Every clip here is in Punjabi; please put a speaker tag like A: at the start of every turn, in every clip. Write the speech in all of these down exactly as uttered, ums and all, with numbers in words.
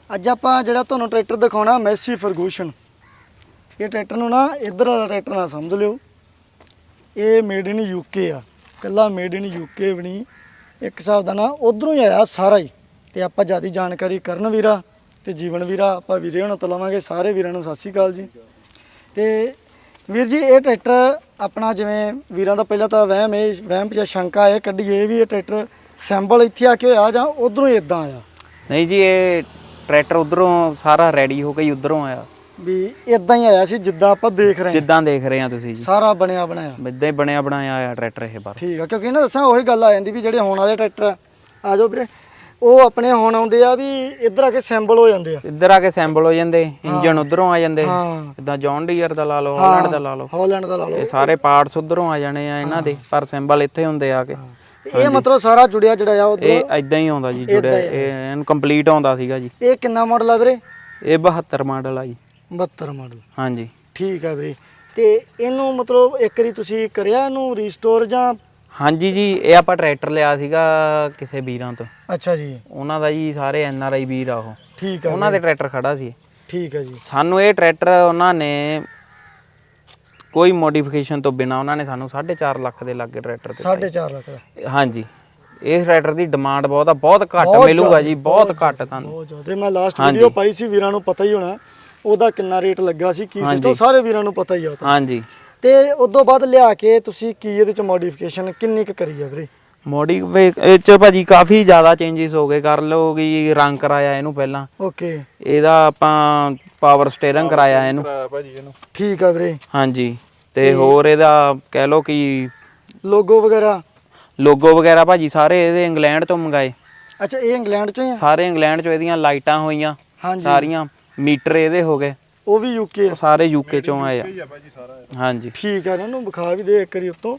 A: ਅੱਜ ਆਪਾਂ ਜਿਹੜਾ ਤੁਹਾਨੂੰ ਟਰੈਕਟਰ ਦਿਖਾਉਣਾ ਮੈਸੀ ਫਰਗੂਸ਼ਨ। ਇਹ ਟਰੈਕਟਰ ਨੂੰ ਨਾ ਇੱਧਰ ਵਾਲਾ ਟਰੈਕਟਰ ਨਾ ਸਮਝ ਲਿਓ, ਇਹ ਮੇਡ ਇਨ ਯੂਕੇ ਆ, ਕੱਲਾ ਮੇਡ ਇਨ ਯੂਕੇ ਵੀ ਨਹੀਂ, ਇੱਕ ਹਿਸਾਬ ਦਾ ਨਾ ਉਧਰੋਂ ਹੀ ਆਇਆ ਸਾਰਾ ਹੀ। ਤੇ ਆਪਾਂ ਜ਼ਿਆਦਾ ਜਾਣਕਾਰੀ ਕਰਨ ਵੀਰਾ ਤੇ ਜੀਵਨ ਵੀਰਾ ਆਪਾਂ ਵੀਰੇ ਹੁਣ ਤੋਂ ਲਵਾਂਗੇ। ਸਾਰੇ ਵੀਰਾਂ ਨੂੰ ਸਤਿ ਸ਼੍ਰੀ ਅਕਾਲ ਜੀ। ਤੇ ਵੀਰ ਜੀ ਇਹ ਟਰੈਕਟਰ ਆਪਣਾ ਜਿਵੇਂ ਵੀਰਾਂ ਦਾ ਪਹਿਲਾਂ ਤਾਂ ਵਹਿਮ ਇਹ ਵਹਿਮ ਜਾਂ ਸ਼ੰਕਾ ਇਹ ਕੱਢੀਏ ਵੀ ਇਹ ਟਰੈਕਟਰ ਸੈਂਬਲ ਇੱਥੇ ਆ ਕੇ ਹੋਇਆ ਜਾਂ ਉਧਰੋਂ ਹੀ ਇਦਾਂ ਆਇਆ?
B: ਨਹੀਂ ਜੀ, ਇਹ ਟਰੈਕਟਰ ਉਧਰੋਂ ਸਾਰਾ ਰੈਡੀ ਹੋ ਕੇ ਹੀ ਉਧਰੋਂ ਆਇਆ,
A: ਵੀ ਇਦਾਂ ਹੀ ਆਇਆ ਸੀ ਜਿੱਦਾਂ ਆਪਾਂ ਦੇਖ ਰਹੇ ਹਾਂ,
B: ਜਿੱਦਾਂ ਦੇਖ ਰਹੇ ਆ ਤੁਸੀਂ ਜੀ,
A: ਸਾਰਾ ਬਣਿਆ ਬਣਾਇਆ
B: ਇਦਾਂ ਹੀ ਬਣਿਆ ਬਣਾਇਆ ਆਇਆ ਟਰੈਕਟਰ ਇਹ ਬਾਰ।
A: ਠੀਕ ਆ, ਕਿਉਂਕਿ ਨਾ ਦੱਸਾਂ ਉਹੀ ਗੱਲ ਆ ਜਾਂਦੀ ਵੀ ਜਿਹੜੇ ਹੁਣ ਵਾਲੇ ਟਰੈਕਟਰ ਆ ਜਾਓ ਵੀਰੇ, ਉਹ ਆਪਣੇ ਹੁਣ ਆਉਂਦੇ ਆ ਵੀ ਇੱਧਰ ਆ ਕੇ ਸੈਂਬਲ ਹੋ ਜਾਂਦੇ ਆ,
B: ਇੱਧਰ ਆ ਕੇ ਸੈਂਬਲ ਹੋ ਜਾਂਦੇ, ਇੰਜਨ ਉਧਰੋਂ ਆ ਜਾਂਦੇ,
A: ਹਾਂ
B: ਇਦਾਂ ਜੌਨ ਡੀਅਰ ਦਾ ਲਾ ਲਓ, ਹਾਲੈਂਡ ਦਾ ਲਾ ਲਓ,
A: ਹਾਲੈਂਡ ਦਾ ਲਾ ਲਓ,
B: ਇਹ ਸਾਰੇ ਪਾਰਟਸ ਉਧਰੋਂ ਆ ਜਾਣੇ ਆ ਇਹਨਾਂ ਦੇ, ਪਰ ਸੈਂਬਲ ਇੱਥੇ ਹੁੰਦੇ ਆ ਕੇ।
A: ਇਹ ਮਤਲਬ ਸਾਰਾ ਜੁੜਿਆ ਜਿਹੜਾ ਆ ਉਧਰ
B: ਇਹ ਇਦਾਂ ਹੀ ਆਉਂਦਾ ਜੀ, ਜੁੜਿਆ ਇਹ ਇਨਕੰਪਲੀਟ ਆਉਂਦਾ ਸੀਗਾ ਜੀ।
A: ਇਹ ਕਿੰਨਾ ਮਾਡਲ ਆ ਵੀਰੇ?
B: ਇਹ ਬਹੱਤਰ ਮਾਡਲ ਆ ਜੀ।
A: ਬਹੱਤਰ ਮਾਡਲ,
B: ਹਾਂਜੀ
A: ਠੀਕ ਆ ਵੀਰੇ। ਤੇ ਇਹਨੂੰ ਮਤਲਬ ਇੱਕ ਵਾਰੀ ਤੁਸੀਂ ਕਰਿਆ ਇਹਨੂੰ ਰੀਸਟੋਰ ਜਾਂ?
B: ਹਾਂਜੀ ਜੀ, ਇਹ ਆਪਾਂ ਟਰੈਕਟਰ ਲਿਆ ਸੀਗਾ ਕਿਸੇ ਵੀਰਾਂ ਤੋਂ।
A: ਅੱਛਾ ਜੀ,
B: ਉਹਨਾਂ ਦਾ ਜੀ ਸਾਰੇ ਐਨ ਆਰ ਆਈ ਵੀਰ ਆ ਉਹ,
A: ਠੀਕ ਆ,
B: ਉਹਨਾਂ ਦੇ ਟਰੈਕਟਰ ਖੜਾ ਸੀ।
A: ਠੀਕ ਆ ਜੀ। ਸਾਨੂੰ
B: ਇਹ ਟਰੈਕਟਰ ਉਹਨਾਂ ਨੇ ਕੋਈ ਮੋਡੀਫਿਕੇਸ਼ਨ ਤੋਂ ਬਿਨਾ ਉਹਨਾਂ ਨੇ ਸਾਨੂੰ ਸਾਢੇ ਚਾਰ ਲੱਖ ਦੇ ਲਾਗੇ ਟਰੈਕਟਰ ਦਿੱਤਾ।
A: ਸਾਢੇ ਚਾਰ ਲੱਖ ਦਾ?
B: ਹਾਂਜੀ, ਇਸ ਟਰੈਕਟਰ ਦੀ ਡਿਮਾਂਡ ਬਹੁਤ ਆ, ਬਹੁਤ ਘੱਟ ਮਿਲੂਗਾ ਜੀ, ਬਹੁਤ ਘੱਟ ਤੁਹਾਨੂੰ।
A: ਬਹੁਤ ਜ਼ਿਆਦਾ। ਮੈਂ ਲਾਸਟ ਵੀਡੀਓ ਪਾਈ ਸੀ, ਵੀਰਾਂ ਨੂੰ ਪਤਾ ਹੀ ਹੋਣਾ ਉਹਦਾ ਕਿੰਨਾ ਰੇਟ ਲੱਗਾ ਸੀ, ਕੀ ਸਿਸਟਮ ਸਾਰੇ ਵੀਰਾਂ ਨੂੰ ਪਤਾ ਹੀ ਆ ਉਹ ਤਾਂ।
B: ਹਾਂਜੀ।
A: ਤੇ ਉਦੋਂ ਬਾਅਦ ਲਿਆ ਕੇ ਤੁਸੀਂ ਕੀ ਇਹਦੇ ਚ ਮੋਡੀਫਿਕੇਸ਼ਨ ਕਿੰਨੀ ਕੁ ਕਰੀ ਆ ਵੀਰੇ?
B: ਮੋਡੀਫਿਕੇਸ਼ਨ ਚ ਭਾਜੀ ਕਾਫੀ ਜ਼ਿਆਦਾ ਚੇਂਜਸ ਹੋ ਗਏ। ਕਰ ਲਓ ਕਿ ਰੰਗ ਕਰਾਇਆ ਇਹਨੂੰ ਪਹਿਲਾਂ,
A: ਓਕੇ,
B: ਇਹਦਾ ਆਪਾਂ ਪਾਵਰ ਸਟੀਅਰਿੰਗ ਕਰਾਇਆ ਇਹਨੂੰ
A: ਭਾਜੀ ਇਹਨੂੰ, ਠੀਕ ਆ ਵੀਰੇ।
B: ਹਾਂਜੀ, ਤੇ ਹੋਰ ਇਹਦਾ ਕਹਿ ਲਓ ਕਿ
A: ਲੋਗੋ ਵਗੈਰਾ,
B: ਲੋਗੋ ਵਗੈਰਾ ਭਾਜੀ ਸਾਰੇ ਇਹਦੇ ਇੰਗਲੈਂਡ ਤੋਂ ਮੰਗਾਏ।
A: ਅੱਛਾ, ਇਹ ਇੰਗਲੈਂਡ ਚੋਂ ਹੀ ਆ? ਸਾਰੇ
B: ਇੰਗਲੈਂਡ ਚੋਂ। ਇਹਦੀਆਂ ਲਾਈਟਾਂ ਹੋਈਆਂ
A: ਹਾਂਜੀ
B: ਸਾਰੀਆਂ, ਮੀਟਰ ਇਹਦੇ ਹੋ ਗਏ,
A: ਉਹ ਵੀ ਯੂਕੇ?
B: ਸਾਰੇ ਯੂਕੇ ਚੋਂ ਆਏ ਆ। ਹਾਂਜੀ,
A: ਠੀਕ ਆ, ਇਹਨਾਂ ਨੂੰ ਵਿਖਾ ਵੀ ਦੇ ਇੱਕ ਵਾਰੀ ਉੱਤੋਂ।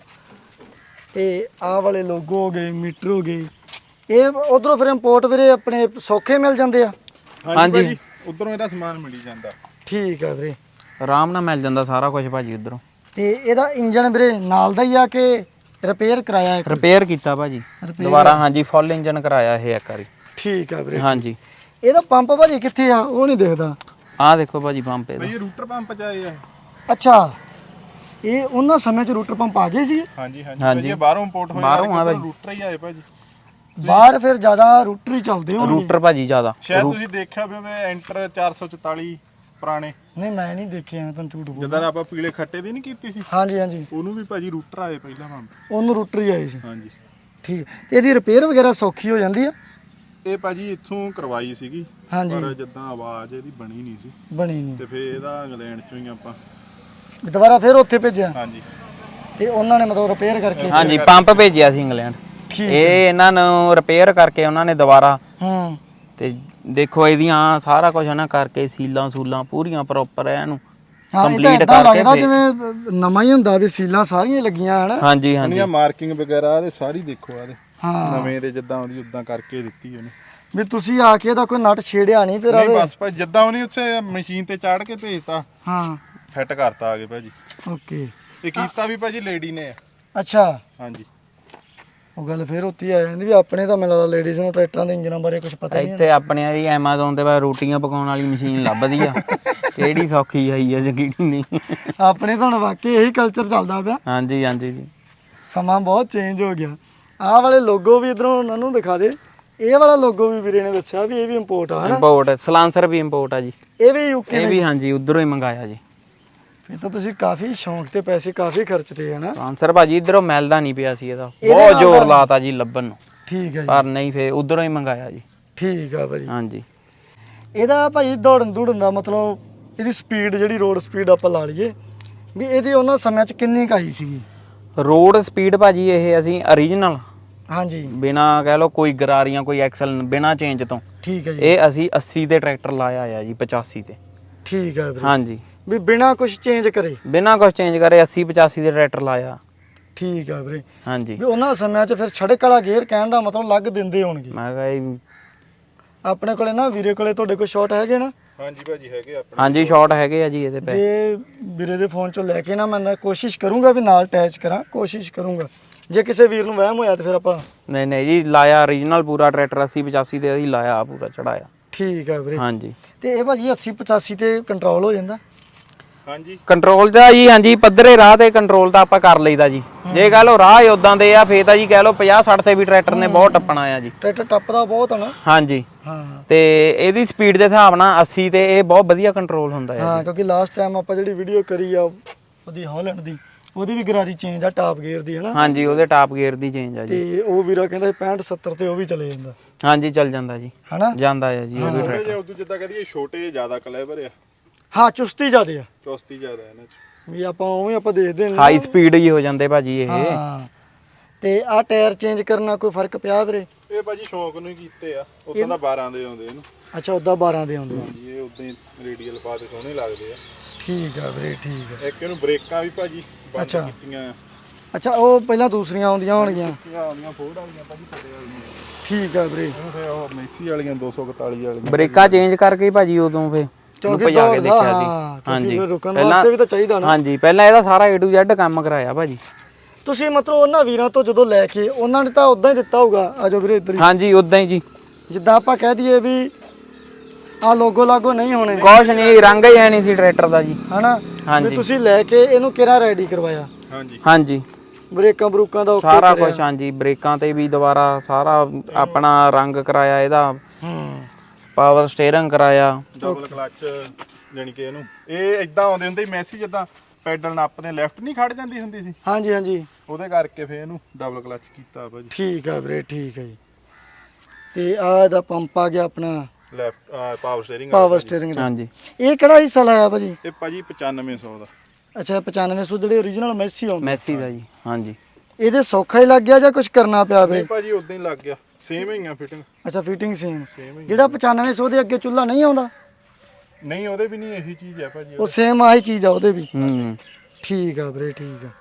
A: ਤੇ ਆਹ ਵਾਲੇ ਲੋਗੋ ਹੋ ਗਏ, ਮੀਟਰ ਹੋ ਗਏ, ਇਹ ਉਧਰੋਂ ਫਿਰ ਇੰਪੋਰਟ ਵੀਰੇ ਆਪਣੇ ਸੌਖੇ ਮਿਲ ਜਾਂਦੇ ਆ?
B: ਹਾਂਜੀ,
C: ਉਧਰੋਂ ਇਹਦਾ ਸਮਾਨ ਮਿਲੀ ਜਾਂਦਾ।
A: ਠੀਕ ਆ ਵੀਰੇ,
B: ਆਰਾਮ ਨਾਲ ਮਿਲ ਜਾਂਦਾ ਸਾਰਾ ਕੁਝ ਭਾਜੀ ਉਧਰੋਂ।
A: ਤੇ ਇਹਦਾ ਇੰਜਨ ਵੀਰੇ ਨਾਲ ਦਾ ਹੀ ਆ ਕਿ ਰਿਪੇਅਰ ਕਰਾਇਆ?
B: ਰਿਪੇਅਰ ਕੀਤਾ ਭਾਜੀ ਦੁਬਾਰਾ। ਹਾਂਜੀ, ਫੁੱਲ ਇੰਜਨ ਕਰਾਇਆ ਇਹ ਇੱਕ ਵਾਰੀ।
A: ਠੀਕ ਆ ਵੀਰੇ।
B: ਹਾਂਜੀ,
A: ਇਹਦਾ ਪੰਪ ਭਾਜੀ ਕਿੱਥੇ ਆ? ਉਹ ਨਹੀਂ ਦਿਖਦਾ।
B: ਆਹ ਦੇਖੋ ਭਾਜੀ ਪੰਪ ਇਹਦਾ।
C: ਇਹ ਰੂਟਰ ਪੰਪ ਚ ਆਏ ਆ।
A: ਅੱਛਾ, ਇਹ ਉਹਨਾਂ ਸਮੇਂ ਚ ਰੂਟਰ ਪੰਪ ਆ ਗਏ ਸੀ?
C: ਹਾਂਜੀ ਹਾਂਜੀ, ਇਹ ਬਾਹਰੋਂ ਇੰਪੋਰਟ ਹੋਇਆ,
B: ਬਾਹਰੋਂ ਆ ਭਾਜੀ,
C: ਰੂਟਰ ਹੀ ਆਏ ਭਾਜੀ
A: ਬਾਹਰ। ਫਿਰ ਜ਼ਿਆਦਾ ਰੂਟਰ ਹੀ ਚੱਲਦੇ ਹੋਣਗੇ।
B: ਰੂਟਰ ਭਾਜੀ ਜ਼ਿਆਦਾ।
C: ਸ਼ਾਇਦ ਤੁਸੀਂ ਦੇਖਿਆ ਵੀ ਐਂਟਰ ਚਾਰ ਸੌ ਚੁਤਾਲੀ ਪੁਰਾਣੇ।
A: ਨਹੀਂ, ਮੈਂ ਨਹੀਂ ਦੇਖਿਆ, ਮੈਂ ਤੁਹਾਨੂੰ ਝੂਠ ਬੋਲਦਾ।
C: ਜਦੋਂ ਆਪਾਂ ਪੀਲੇ ਖੱਟੇ ਦੀ ਨਹੀਂ ਕੀਤੀ ਸੀ,
A: ਹਾਂਜੀ ਹਾਂਜੀ,
C: ਉਹਨੂੰ ਵੀ ਭਾਜੀ ਰੂਟਰ ਆਏ ਪਹਿਲਾਂ ਪੰਪ,
A: ਉਹਨੂੰ ਰੂਟਰ ਹੀ ਆਏ ਸੀ।
C: ਹਾਂਜੀ,
A: ਠੀਕ। ਤੇ ਇਹਦੀ ਰਿਪੇਅਰ ਵਗੈਰਾ ਸੌਖੀ ਹੋ ਜਾਂਦੀ ਆ?
C: ਇਹ ਭਾਜੀ ਇੱਥੋਂ ਕਰਵਾਈ ਸੀਗੀ,
A: ਹਾਂਜੀ,
C: ਪਰ ਜਿੱਦਾਂ ਆਵਾਜ਼ ਇਹਦੀ ਬਣੀ ਨਹੀਂ ਸੀ
A: ਬਣੀ ਨਹੀਂ,
C: ਤੇ ਫਿਰ ਇਹਦਾ ਇੰਗਲੈਂਡ ਚੋਂ ਹੀ ਆਪਾਂ
A: ਦੁਬਾਰਾ ਫਿਰ ਉੱਥੇ ਭੇਜਿਆ?
C: ਹਾਂਜੀ,
A: ਤੇ ਉਹਨਾਂ ਨੇ ਮਤਲਬ ਰਿਪੇਅਰ ਕਰਕੇ?
B: ਹਾਂਜੀ, ਪੰਪ ਭੇਜਿਆ ਸੀ ਇੰਗਲੈਂਡ।
A: ਠੀਕ।
B: ਇਹ ਇਹਨਾਂ ਨੂੰ ਰਿਪੇਅਰ ਕਰਕੇ ਉਹਨਾਂ ਨੇ ਦੁਬਾਰਾ,
A: ਹੂੰ,
B: ਤੇ ਦੇਖੋ ਇਹਦੀਆਂ ਸਾਰਾ ਕੁਝ ਨਾ ਕਰਕੇ ਸੀਲਾਂ ਸੂਲਾਂ ਪੂਰੀਆਂ ਪ੍ਰੋਪਰ ਹੈ ਇਹਨੂੰ
A: ਕੰਪਲੀਟ ਕਰਕੇ। ਲੱਗਦਾ ਜਿਵੇਂ ਨਵਾਂ ਹੀ ਹੁੰਦਾ ਵੀ ਸੀਲਾਂ ਸਾਰੀਆਂ ਲੱਗੀਆਂ ਹਨ।
B: ਹਾਂਜੀ ਹਾਂਜੀ,
C: ਇਹਦੀਆਂ ਮਾਰਕਿੰਗ ਵਗੈਰਾ ਤੇ ਸਾਰੀ ਦੇਖੋ ਆਦੇ
A: ਹਾਂ,
C: ਨਵੇਂ ਦੇ ਜਿੱਦਾਂ ਉਹਦੀ ਉਦਾਂ ਕਰਕੇ ਦਿੱਤੀ ਉਹਨੇ।
A: ਵੀ ਤੁਸੀਂ ਆ ਕੇ ਇਹਦਾ ਕੋਈ ਨਟ ਛੇੜਿਆ ਨਹੀਂ ਫਿਰ?
C: ਨਹੀਂ ਬਸ ਭਾਜੀ ਜਿੱਦਾਂ ਉਹਨੇ ਉੱਥੇ ਮਸ਼ੀਨ ਤੇ ਚਾੜ ਕੇ ਭੇਜਤਾ,
A: ਹਾਂ,
C: ਫਿੱਟ ਕਰਤਾ ਆ ਗਏ ਭਾਜੀ।
A: ਓਕੇ।
C: ਇਹ ਕੀਤਾ ਵੀ ਭਾਜੀ ਲੇਡੀ ਨੇ ਆ।
A: ਅੱਛਾ,
C: ਹਾਂਜੀ,
A: ਉਹ ਗੱਲ ਫਿਰ ਉੱਤੀ ਆ ਜਾਂਦੀ ਵੀ ਆਪਣੇ ਤਾਂ ਮੈਨੂੰ ਲੱਗਦਾ ਲੇਡੀਜ਼ ਨੂੰ ਟਰੈਕਟਰਾਂ ਦੇ ਇੰਜਨਾਂ ਬਾਰੇ ਕੁਝ ਪਤਾ ਨਹੀਂ।
B: ਇੱਥੇ ਆਪਣੇ ਦੀ ਐਮਾਜ਼ੋਨ ਤੇ ਬਾ ਰੋਟੀਆਂ ਪਕਾਉਣ ਵਾਲੀ ਮਸ਼ੀਨ ਲੱਭਦੀ ਆ, ਕਿਹੜੀ ਸੌਖੀ ਆਈ ਆ ਕਿਹੜੀ ਨਹੀਂ।
A: ਆਪਣੇ ਤਾਂ ਹੁਣ ਵਾਕਈ ਇਹੀ ਕਲਚਰ ਚੱਲਦਾ ਪਿਆ।
B: ਹਾਂਜੀ ਹਾਂਜੀ ਜੀ,
A: ਸਮਾਂ ਬਹੁਤ ਚੇਂਜ ਹੋ ਗਿਆ। ਆਹ ਵਾਲੇ ਲੋਗੋ ਵੀ ਇਧਰੋਂ ਉਹਨਾਂ ਨੂੰ ਦਿਖਾ ਦੇ। ਇਹ ਵਾਲਾ ਲੋਗੋ ਵੀ ਵੀਰੇ ਨੇ ਦੱਸਿਆ ਵੀ ਇਹ ਵੀ ਇੰਪੋਰਟ ਆ, ਹਨਾ?
B: ਇੰਪੋਰਟ, ਸਲਾਂਸਰ ਵੀ ਇੰਪੋਰਟ ਆ ਜੀ।
A: ਇਹ ਵੀ ਯੂਕੇ?
B: ਇਹ ਵੀ ਹਾਂਜੀ, ਉਧਰੋਂ ਹੀ ਮੰਗਾਇਆ ਜੀ।
A: ਫਿਰ ਤਾਂ ਤੁਸੀਂ ਕਾਫੀ ਸ਼ੌਂਕ ਤੇ ਪੈਸੇ ਕਾਫੀ ਖਰਚਦੇ ਆ ਨਾ?
B: ਸਲਾਂਸਰ ਭਾਜੀ ਇਧਰੋਂ ਮਿਲਦਾ ਨਹੀਂ ਪਿਆ ਸੀ, ਇਹਦਾ ਬਹੁਤ ਜ਼ੋਰ ਲਾਤਾ ਜੀ ਲੱਭਣ ਨੂੰ।
A: ਠੀਕ ਹੈ ਜੀ,
B: ਪਰ ਨਹੀਂ, ਫੇਰ ਉਧਰੋਂ ਹੀ ਮੰਗਾਇਆ ਜੀ।
A: ਠੀਕ ਆ ਭਾਜੀ।
B: ਹਾਂਜੀ,
A: ਇਹਦਾ ਭਾਜੀ ਦੌੜਨ ਦੌੜਨ ਦਾ ਮਤਲਬ ਇਹਦੀ ਸਪੀਡ ਜਿਹੜੀ ਰੋਡ ਸਪੀਡ ਆਪਾਂ ਲਾ ਲਈਏ ਵੀ ਇਹਦੀ ਉਹਨਾਂ ਸਮਿਆਂ 'ਚ ਕਿੰਨੀ ਕੁ ਆਈ ਸੀਗੀ?
B: ਰੋਡ ਸਪੀਡ ਭਾਜੀ ਇਹ ਅਸੀਂ ਓਰੀਜਨਲ,
A: ਹਾਂਜੀ,
B: ਬਿਨਾ ਕਹਿ ਲਓ ਕੋਈ ਗਰਾਰੀਆਂ ਕੋਈ ਐਕਸਲ ਬਿਨਾ ਚੇਂਜ ਤੋਂ,
A: ਠੀਕ ਹੈ ਜੀ,
B: ਇਹ ਅਸੀਂ ਅੱਸੀ ਦੇ ਟਰੈਕਟਰ ਲਾਇਆ ਆ ਜੀ, ਪਚਾਸੀ ਤੇ।
A: ਠੀਕ ਹੈ ਵੀਰੇ।
B: ਹਾਂਜੀ,
A: ਵੀ ਬਿਨਾ ਕੁਝ ਚੇਂਜ ਕਰੇ?
B: ਬਿਨਾ ਕੁਝ ਚੇਂਜ ਕਰੇ ਅੱਸੀ ਪਚਾਸੀ ਦੇ ਟਰੈਕਟਰ ਲਾਇਆ।
A: ਠੀਕ ਆ ਵੀਰੇ।
B: ਹਾਂਜੀ,
A: ਵੀ ਉਹਨਾਂ ਸਮਿਆਂ 'ਚ ਫਿਰ ਛੜਕ ਵਾਲਾ ਗੇਅਰ ਕਹਿਣ ਦਾ ਮਤਲਬ ਲੱਗ ਦਿੰਦੇ ਹੋਣਗੇ।
B: ਮੈਂ ਕਿਹਾ ਜੀ,
A: ਆਪਣੇ ਕੋਲੇ ਨਾ ਵੀਰੇ ਕੋਲੇ ਤੁਹਾਡੇ ਕੋਲ ਸ਼ਾਟ ਹੈਗੇ ਨਾ?
C: ਹਾਂਜੀ ਭਾਜੀ ਹੈਗੇ ਆਪਣੇ।
B: ਹਾਂਜੀ, ਸ਼ਾਰਟ ਹੈਗੇ ਆ ਜੀ ਇਹਦੇ ਪੈ।
A: ਜੇ ਵੀਰੇ ਦੇ ਫੋਨ 'ਚੋਂ ਲੈ ਕੇ ਨਾ ਮੈਂ ਕੋਸ਼ਿਸ਼ ਕਰੂੰਗਾ ਵੀ ਨਾਲ ਅਟੈਚ ਕਰਾਂ, ਕੋਸ਼ਿਸ਼ ਕਰੂੰਗਾ। ਜੇ ਕਿਸੇ ਵੀਰ ਨੂੰ ਵਹਿਮ ਹੋਇਆ ਤਾਂ ਫਿਰ ਆਪਾਂ?
B: ਨਹੀਂ ਨਹੀਂ ਜੀ, ਲਾਇਆ ਓਰੀਜਨਲ ਪੂਰਾ ਟਰੈਕਟਰ ਅੱਸੀ ਪਚਾਸੀ ਤੇ ਅਸੀਂ ਲਾਇਆ ਪੂਰਾ ਚੜਾਇਆ।
A: ਠੀਕ ਆ ਵੀਰੇ।
B: ਹਾਂਜੀ
A: ਤੇ ਇਹ ਭਾਜੀ ਅੱਸੀ ਪਚਾਸੀ ਤੇ ਕੰਟਰੋਲ ਹੋ ਜਾਂਦਾ?
C: ਹਾਂਜੀ
B: ਕੰਟਰੋਲ ਦਾ ਜੀ ਹਾਂਜੀ ਪੱਧਰੇ ਰਾਹ ਤੇ ਕੰਟਰੋਲ ਤਾਂ ਆਪਾਂ ਕਰ ਲਈਦਾ ਜੀ। ਜੇ ਕਹ ਲਓ ਰਾਹ ਉਦਾਂ ਦੇ ਆ ਫੇਰ ਤਾਂ ਜੀ ਕਹ ਲਓ ਪੰਜਾਹ ਸੱਠ ਤੇ ਵੀ ਟਰੈਕਟਰ ਨੇ ਬਹੁਤ ਟੱਪਣਾ ਆ ਜੀ।
A: ਟਰੈਕਟਰ ਟੱਪਦਾ ਬਹੁਤ ਆ ਨਾ।
B: ਹਾਂਜੀ
A: ਹਾਂ
B: ਤੇ ਇਹਦੀ ਸਪੀਡ ਦੇ ਹਿਸਾਬ ਨਾਲ ਅੱਸੀ ਤੇ ਇਹ ਬਹੁਤ ਵਧੀਆ ਕੰਟਰੋਲ ਹੁੰਦਾ ਹੈ
A: ਹਾਂ, ਕਿਉਂਕਿ ਲਾਸਟ ਟਾਈਮ ਆਪਾਂ ਜਿਹੜੀ ਵੀਡੀਓ ਕਰੀ ਆ ਉਹਦੀ ਹਾਲੈਂਡ ਦੀ, ਉਹਦੀ ਵੀ ਗਰਾਰੀ ਚੇਂਜ ਆ ਟਾਪ ਗੇਅਰ ਦੀ ਹਨਾ।
B: ਹਾਂਜੀ ਉਹਦੇ ਟਾਪ ਗੇਅਰ ਦੀ ਚੇਂਜ ਆ ਜੀ।
A: ਤੇ ਉਹ ਵੀਰਾ ਕਹਿੰਦਾ ਪੈਂਹਠ ਸੱਤਰ ਤੇ ਉਹ ਵੀ ਚਲੇ ਜਾਂਦਾ
B: ਹਾਂਜੀ ਚੱਲ ਜਾਂਦਾ ਜੀ
A: ਹਨਾ।
B: ਜਾਂਦਾ ਆ ਜੀ ਉਹ ਵੀ
C: ਥੋੜੇ
B: ਟਰੈਕਟਰ।
C: ਜਿਹਾ ਉਦੋਂ ਜਿੱਦਾਂ ਕਹਦੀਏ ਛੋਟੇ ਜ਼ਿਆਦਾ ਕਲੇਵਰ ਆ,
A: ਹਾਂ ਚੁਸਤੀ ਜ਼ਿਆਦੇ ਆ
C: ਚੌਸਤੀ ਜ਼ਿਆਦਾ ਇਹਨਾਂ 'ਚ।
A: ਵੀ ਆਪਾਂ ਉਵੇਂ ਆਪਾਂ ਦੇਖਦੇ ਨੇ
B: ਹਾਈ ਸਪੀਡ ਹੀ ਹੋ ਜਾਂਦੇ ਭਾਜੀ ਇਹ।
A: ਹਾਂ ਤੇ ਆ ਟਾਇਰ ਚੇਂਜ ਕਰਨਾ ਕੋਈ ਫਰਕ ਪਿਆ ਵੀਰੇ?
C: ਇਹ ਭਾਜੀ ਸ਼ੌਂਕ ਨੂੰ ਹੀ ਕੀਤੇ ਆ, ਉਦੋਂ ਤਾਂ ਬਾਰਾਂ ਦੇ ਆਉਂਦੇ ਇਹਨੂੰ।
A: ਅੱਛਾ ਉਦਾਂ ਬਾਰਾਂ ਦੇ ਆਉਂਦੇ ਆ।
C: ਹਾਂਜੀ ਇਹ ਉਦਾਂ ਹੀ ਰੇਡੀਅਲ ਪਾ ਤੇ ਸੋਹਣੇ ਲੱਗਦੇ ਆ।
A: ਠੀਕ ਆ ਵੀਰੇ ਠੀਕ ਆ।
C: ਇੱਕ ਇਹਨੂੰ ਬ੍ਰੇਕਾਂ ਵੀ ਭਾਜੀ ਬੰਦ
A: ਅੱਛਾ।
C: ਕੀਤੀਆਂ ਆ।
A: ਅੱਛਾ ਉਹ ਪਹਿਲਾਂ ਦੂਸਰੀਆਂ ਆਉਂਦੀਆਂ ਹੋਣਗੀਆਂ।
C: ਕੀਤੀਆਂ ਆਉਂਦੀਆਂ ਫੋਰਡ ਵਾਲੀਆਂ ਭਾਜੀ ਥੱਲੇ ਵਾਲੀਆਂ।
A: ਠੀਕ ਆ ਵੀਰੇ।
C: ਇਹਨੂੰ ਫਿਰ ਉਹ ਮੈਸੀ ਵਾਲੀਆਂ ਦੋ ਸੌ ਇਕਤਾਲੀ ਵਾਲੀਆਂ
B: ਬ੍ਰੇਕਾਂ ਚੇਂਜ ਕਰਕੇ ਹੀ ਭਾਜੀ ਉਦੋਂ ਫੇ
A: ਕਿਉਂਕਿ
B: ਭਜਾ ਕੇ
A: ਦੌੜਦਾ,
B: ਦੇਖਿਆ
A: ਹਾਂ,
B: ਸੀ।
A: ਕਿਉਂਕਿ
B: ਹਾਂਜੀ
A: ਫਿਰ ਰੁਕਣ ਵਾਸਤੇ ਵੀ ਤਾਂ ਚਾਹੀਦਾ ਨਾ।
B: ਹਾਂਜੀ ਪਹਿਲਾਂ ਇਹਦਾ ਸਾਰਾ A to Z ਕੰਮ ਕਰਾਇਆ ਭਾਜੀ।
A: ਤੁਸੀਂ ਮਤਲਬ ਉਹਨਾਂ ਵੀਰਾਂ ਤੋਂ ਜਦੋਂ ਲੈ ਕੇ ਉਹਨਾਂ ਨੇ ਤਾਂ ਉਦਾਂ ਹੀ ਦਿੱਤਾ ਹੋਊਗਾ। ਆਜੋ ਵੀਰੇ ਇੱਧਰ ਹੀ।
B: ਹਾਂਜੀ ਉਦਾਂ ਹੀ ਜੀ
A: ਜਿੱਦਾਂ ਆਪਾਂ ਕਹਿ ਦਈਏ ਵੀ ਆ ਲੋਗੋ ਲਾਗੋ ਨਹੀਂ ਹੋਣੇ
B: ਕੁਛ ਨਹੀਂ, ਰੰਗ ਹੀ ਹੈ ਨਹੀਂ ਸੀ ਟਰੈਕਟਰ ਦਾ ਜੀ।
A: ਹਨਾ
B: ਹਾਂਜੀ।
A: ਵੀ ਤੁਸੀਂ ਲੈ ਕੇ ਇਹਨੂੰ ਕਿਹੜਾ ਰੈਡੀ ਕਰਵਾਇਆ?
C: ਹਾਂਜੀ
B: ਹਾਂਜੀ
A: ਬ੍ਰੇਕਾਂ ਬਰੂਕਾਂ ਦਾ ਓਕੇ
B: ਸਾਰਾ ਕੁਝ ਹਾਂਜੀ ਬ੍ਰੇਕਾਂ ਤੇ ਵੀ ਦੁਬਾਰਾ ਸਾਰਾ ਆਪਣਾ ਰੰਗ ਕਰਾਇਆ ਇਹਦਾ,
A: ਹੂੰ
B: ਪਾਵਰ ਸਟੀਅਰਿੰਗ ਕਰਾਇਆ।
C: ਡਬਲ ਕਲਚ ਜਾਨੀ ਕਿ ਇਹਨੂੰ ਇਹ ਇਦਾਂ ਆਉਂਦੇ ਹੁੰਦੇ ਸੀ ਮੈਸੀ, ਜਿੱਦਾਂ ਪੈਡਲ ਨੱਪਦੇ ਲੈਫਟ ਨਹੀਂ ਖੜ ਜਾਂਦੀ ਹੁੰਦੀ ਸੀ,
A: ਹਾਂਜੀ ਹਾਂਜੀ
C: ਉਹਦੇ ਕਰਕੇ ਫੇਰ ਇਹਨੂੰ ਡਬਲ ਕਲਚ ਕੀਤਾ ਭਾਜੀ।
A: ਠੀਕ ਆ ਵੀਰੇ ਠੀਕ ਆ ਜੀ। ਤੇ ਆ ਇਹਦਾ ਪੰਪ ਆ ਗਿਆ ਆਪਣਾ
C: left power steering
A: power steering ਦਾ।
B: ਹਾਂਜੀ
A: ਇਹ ਕਿਹੜਾ ਹਿੱਸਾ ਲਾਇਆ ਭਾਜੀ?
C: ਇਹ ਭਾਜੀ ਪਚਾਨਵੇਂ ਸੌ ਦਾ।
A: ਅੱਛਾ ਪਚਾਨਵੇਂ ਸੌ ਜਿਹੜੇ ਓਰੀਜਨਲ ਮੈਸੀ ਆਉਂਦੇ
B: ਮੈਸੀ ਦਾ ਜੀ। ਹਾਂਜੀ
A: ਇਹਦੇ ਸੌਖਾ ਹੀ ਲੱਗ ਗਿਆ ਜਾਂ ਕੁਝ ਕਰਨਾ ਪਿਆ ਵੀਰੇ?
C: ਨਹੀਂ ਭਾਜੀ ਉਦਾਂ ਹੀ ਲੱਗ ਗਿਆ, ਸੇਮ ਹੀ ਆ ਫਿਟਿੰਗ।
A: ਅੱਛਾ ਫਿਟਿੰਗ ਸੇਮ।
C: ਸੇਮ ਹੀ
A: ਜਿਹੜਾ ਪਚਾਨਵੇਂ ਸੌ ਦੇ ਅੱਗੇ ਚੁੱਲ੍ਹਾ ਨਹੀਂ ਆਉਂਦਾ
C: ਨਹੀਂ, ਉਹਦੇ ਵੀ ਨਹੀਂ ਇਹੀ ਚੀਜ਼ ਆ ਭਾਜੀ।
A: ਉਹ ਸੇਮ ਆਹੀ ਚੀਜ਼ ਆ ਉਹਦੇ ਵੀ।
B: ਹੂੰ
A: ਠੀਕ ਆ ਵੀਰੇ ਠੀਕ ਆ।